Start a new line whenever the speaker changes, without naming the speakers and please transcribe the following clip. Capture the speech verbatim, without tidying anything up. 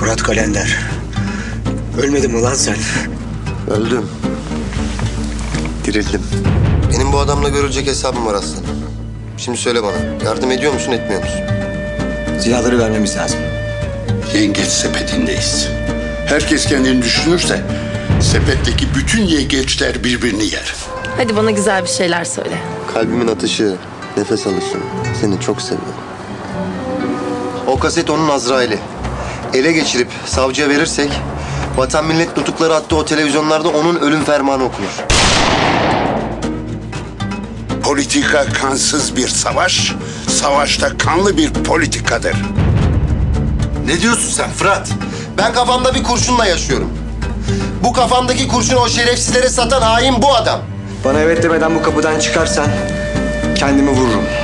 Fırat Kalender. Ölmedin mi lan sen?
Öldüm. Dirildim. Benim bu adamla görülecek hesabım var aslında. Şimdi söyle bana, yardım ediyor musun, etmiyor musun?
Silahları vermemiz lazım.
Yengeç sepetindeyiz. Herkes kendini düşünürse sepetteki bütün yengeçler birbirini yer.
Hadi bana güzel bir şeyler söyle.
Kalbimin atışı, nefes alışım. Seni çok seviyorum. O kaset onun Azrail'i. Ele geçirip savcıya verirsek... Vatan millet nutukları attığı o televizyonlarda onun ölüm fermanı okunur.
Politika kansız bir savaş, savaşta kanlı bir politikadır.
Ne diyorsun sen Fırat? Ben kafamda bir kurşunla yaşıyorum. Bu kafamdaki kurşunu o şerefsizlere satan hain bu adam.
Bana evet demeden bu kapıdan çıkarsan kendimi vururum.